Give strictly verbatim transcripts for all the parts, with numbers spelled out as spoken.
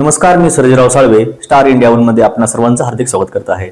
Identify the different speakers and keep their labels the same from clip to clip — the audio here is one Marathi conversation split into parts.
Speaker 1: नमस्कार, मी Sarjerao Salve, star India one मध्ये आपणा सर्वांचं हार्दिक स्वागत करत आहे.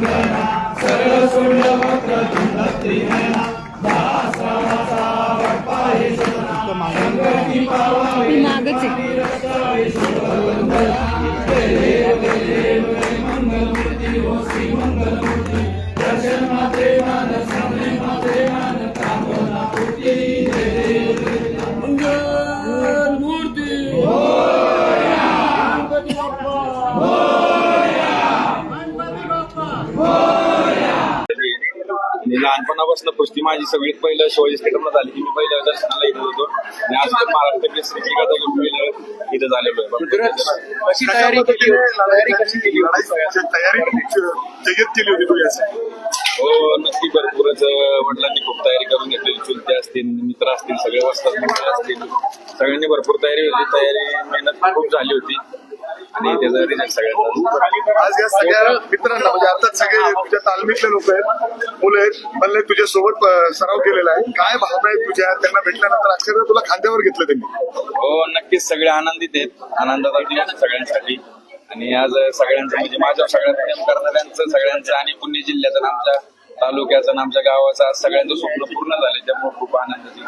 Speaker 2: लहानपणापासून कुस्ती माझी सगळीत पहिलं शिवाजी स्टेडियमला झाली की मी पहिल्या दर्शनाला येत होतो आणि आज तर महाराष्ट्र केसरीची गाथा घेऊन पहिलं इथं झालेलो आहे.
Speaker 3: कशी तयारी केली तयारी कशी केली तयारी जय्यत केली होती तुझी असं?
Speaker 2: हो नक्की, भरपूरच वडिलांनी खूप तयारी करून घेतली. चुलते असतील, मित्र असतील, सगळे वस्तात मित्र असतील, सगळ्यांनी भरपूर तयारी होती. तयारी मेहनत खूप झाली होती आणि त्याचा रिझल्ट सगळ्यांना.
Speaker 3: आज या सगळ्या मित्रांना म्हणजे अर्थात सगळे तुझ्या तालमीतले लोक आहेत, मुलं आहेत, म्हणले तुझ्या सोबत सराव केलेला आहे. काय भावना आहेत तुझ्या त्यांना भेटल्यानंतर? अक्षरशः तुला खांद्यावर घेतलं त्यांनी?
Speaker 2: हो नक्कीच, सगळे आनंदित आहेत, आनंदाचा दिवस सगळ्यांसाठी. आणि आज सगळ्यांचं म्हणजे माझ्या सगळ्या प्रेम करणाऱ्यांचं सगळ्यांचं आणि पुणे जिल्ह्याचं आमच्या तालुक्याचं आमच्या गावाचं आज सगळ्यांचं स्वप्न पूर्ण झाले, त्यामुळे खूप आनंदाची.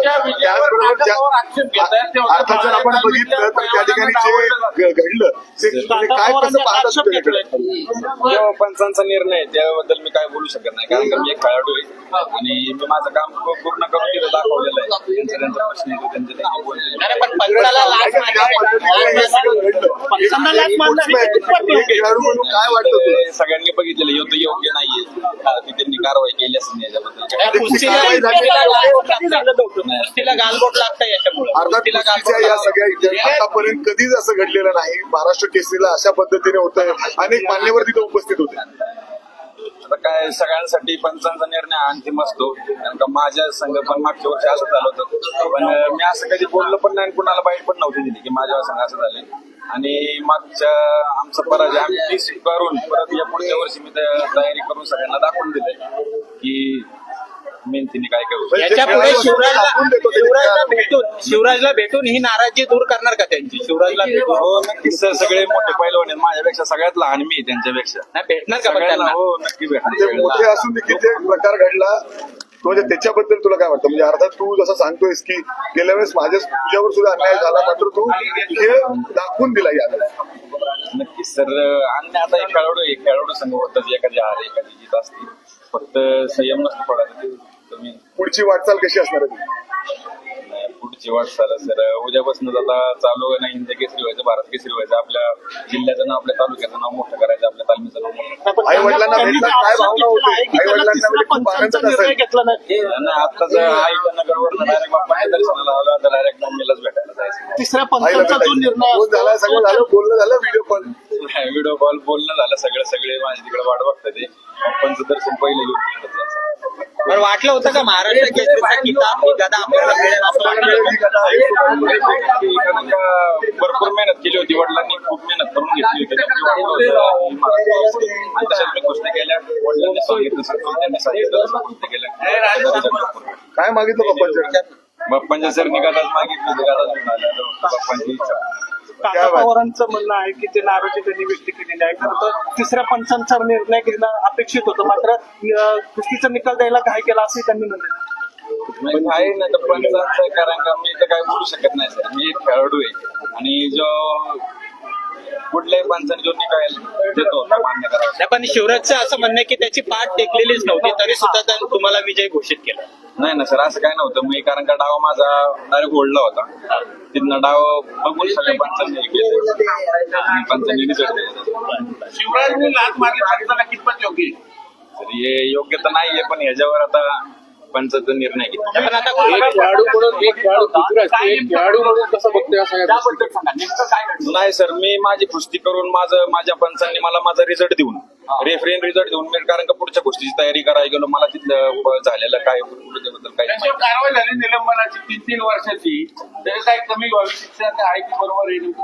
Speaker 3: अर्थात जर आपण बघितलं तर त्या ठिकाणी जे घडलं ते काय कसं पाहतात?
Speaker 2: पंचांचा निर्णय त्याबद्दल मी काय बोलू शकत नाही, कारण का मी एक खेळाडू आहे आणि मी माझं काम पूर्ण करून तिथं दाखवलेलं आहे. त्यांचा त्यांचा प्रश्न येतो, त्यांचे त्यांनी बोललेलं.
Speaker 3: काय वाटतं?
Speaker 2: सगळ्यांनी बघितलेलं योग्य योग्य नाहीये, त्यांनी कारवाई केली असेल याच्याबद्दल.
Speaker 4: गालबोट लागतं याच्यामुळे.
Speaker 3: अर्थात या सगळ्या आतापर्यंत कधीच असं घडलेलं नाही. महाराष्ट्र केसरीला अशा पद्धतीने होतंय, अनेक मान्यवर तिथे उपस्थित होते.
Speaker 2: आता काय सगळ्यांसाठी पंचांचा निर्णय अंतिम असतो, कारण का माझ्या संघ पण मागच्या वर्षी असं झालं होतं, पण मी असं कधी बोललो पण नाही, कुणाला बाईट पण नव्हती दिली की माझ्या संघ असं झालं. आणि मागच्या आमचा पराजय आम्ही टीस करून परत या पुढच्या वर्षी मी तयारी करून सगळ्यांना दाखवून दिले की मेहनतीने काय करू.
Speaker 4: याच्या पुढे शिवराजला शिवराजला भेटून शिवराजला भेटून ही नाराजी दूर करणार का त्यांची? शिवराजला भेटून?
Speaker 2: हो नक्कीच, सगळे मोठे पैलवान आहेत, माझ्यापेक्षा सगळ्यात लहान मी त्यांच्यापेक्षा.
Speaker 4: नाही भेटणार का
Speaker 2: सगळ्यांना? हो नक्की भेटणार.
Speaker 3: मोठे असून देखील ते प्रकार घडला म्हणजे त्याच्याबद्दल तुला काय वाटतं? म्हणजे अर्थात तू जसं सांगतोयस की गेल्या वेळेस माझ्या तुझ्यावर सुद्धा अन्याय झाला, मात्र तू खेळ दाखवून दिला याला.
Speaker 2: नक्कीच सर, आणि आता एक खेळाडू एक खेळाडू संघ होतात, एखादी हार एखादी जीत असते, फक्त संयम नसतो पडायचा. तुम्ही
Speaker 3: पुढची वाटचाल कशी असणार आहे?
Speaker 2: पुढची वाटचाल सर उद्यापासून आता चालू आहे ना, हिंद केसरी व्हायचं, भारत केसरी व्हायचं, आपल्या जिल्ह्याचं नाव, आपल्या तालुक्याचं नाव मोठं करायचं, आपल्या तालमीचं नाव मोठं.
Speaker 3: आई वडिलांना भेटला काय भावना होते? आई वडिलांना खूप आनंद असेल.
Speaker 2: आताच आईच्या नगरवर डायरेक्ट बाप्पाच्या दर्शनाला आलो, आता डायरेक्ट मम्मीलाच भेटायला जायचं.
Speaker 4: तिसऱ्या पंचांचा जो निर्णय
Speaker 3: फोन झाला, सगळं झालं, बोलणं झालं, व्हिडिओ कॉल
Speaker 2: व्हिडिओ कॉल बोलणं झालं, सगळं सगळे माझ्या तिकडे वाट बघतात. ते बाप्पांचं दर्शन पहिलं घेऊन तिकडे जायचं.
Speaker 4: पण वाटलं होतं का महाराष्ट्र केसरीचा किताब ही गदा आपल्याला मिळेल असं वाटलं?
Speaker 2: भरपूर मेहनत केली होती, वडिलांनी खूप मेहनत करून घेतली होती आणि तशाच मी गोष्टी केल्या. वडिलांनी सांगितलं, त्यांनी सांगितलं, गोष्टी केल्या.
Speaker 3: काय मागितलं पप्पांच्या?
Speaker 2: बाप्पांच्या सर निघालाच मागितली, गादाच बाप्पांची इच्छा.
Speaker 5: काका पवारांचं म्हणणं आहे की ते नाराजी त्यांनी व्यक्त केलेली आहे, खरं तर तिसऱ्या पंचांचा निर्णय घेणं अपेक्षित होतं, मात्र कुस्तीचा निकाल द्यायला काय केला असंही त्यांनी म्हणलं.
Speaker 2: आहे ना तर पंचांचं, कारण का मी तर काय बोलू शकत नाही सर, मी एक खेळाडू आहे आणि जो कुठल्याही पंचाने जो निकाल देतो मान्य करावा.
Speaker 4: पण शिवराजचं असं म्हणणं की त्याची पाठ टेकलेलीच नव्हती, तरी सुद्धा त्यांनी तुम्हाला विजय घोषित केला.
Speaker 2: नाही ना सर, असं काय नव्हतं. मी कारण का डाव माझा डायरेक्ट ओढला होता, तिथनं डाव बघून सगळ्या पंचांनी पंचांनी रिझल्ट दिला.
Speaker 4: शिवराजने लाच मारली कितपत योग्य?
Speaker 2: तर हे योग्य तर नाहीये, पण ह्याच्यावर आता पंचाचा निर्णय घेतला.
Speaker 4: पण आता खेळाडू म्हणून एक खेळाडू खेळाडू म्हणून कसं बघतोय
Speaker 2: नाही सर, मी माझी कुस्ती करून माझं माझ्या पंचांनी मला माझा रिझल्ट देऊन, रेफरेन रिझल्ट देऊन मी कारण का पुढच्या गोष्टीची तयारी करायला गेलो, मला तिथलं झालेलं काय त्याबद्दल काही
Speaker 6: कारवाई झाली निलंबनाची तीन तीन वर्षाची, त्याची काही कमी व्हावी शिक्षा आहे की बरोबर येईल काय?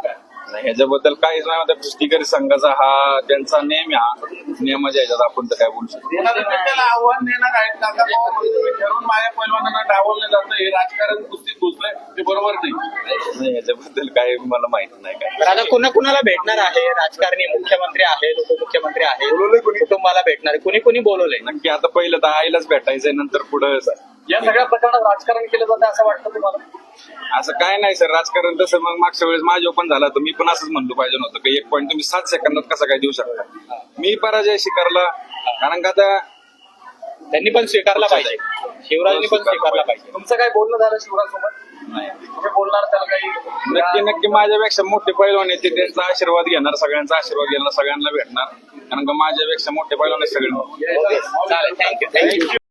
Speaker 2: नाही, ह्याच्याबद्दल काहीच नाही. आता कुस्तीकरी संघाचा हा त्यांचा नेम आहे, हा नियमाच्या ह्याच्यात आपण तर काय बोलू शकतो.
Speaker 6: त्याला आव्हान देणार आहेत काका ठरवून माझ्या पैलवानांना डावललं जातं हे राजकारण कुस्तीत घुसलंय ते बरोबर नाही.
Speaker 2: नाही, ह्याच्याबद्दल काय मला माहिती नाही काय.
Speaker 4: तर आता कुणा कुणाला भेटणार आहे? राजकारणी, मुख्यमंत्री आहेत, उपमुख्यमंत्री आहेत,
Speaker 3: बोलवलंय कोणी?
Speaker 4: कुटुंबाला भेटणार आहे, कुणी कुणी बोलवलंय?
Speaker 2: नक्की आता पहिलं तर आईलाच भेटायचंय, नंतर पुढं
Speaker 6: या सगळ्या प्रकरणात राजकारण केलं जातं असं वाटतं तुम्हाला?
Speaker 2: असं काय नाही सर. राजकारण तसं मग मागच्या वेळेस माझ्या पण झालं तर मी पण असंच म्हणलो पाहिजे नव्हतं की एक पॉईंट तुम्ही सात सेकंदात कसा काय देऊ शकता. मी पराजय स्वीकारला, कारण का आता
Speaker 4: त्यांनी पण स्वीकारला पाहिजे, शिवराजनी पण स्वीकारला पाहिजे.
Speaker 6: तुमचं काय बोलणं झालं शिवराज सोबत?
Speaker 2: नाही,
Speaker 6: तुम्ही बोलणार त्याला काही
Speaker 2: नक्की नक्की माझ्यापेक्षा मोठे पैलवान येते त्यांचा आशीर्वाद घेणार, सगळ्यांचा आशीर्वाद घेणार, सगळ्यांना भेटणार, कारण का माझ्यापेक्षा मोठे पैलवान आहेत सगळे.
Speaker 4: चालेल, थँक्यू थँक्यू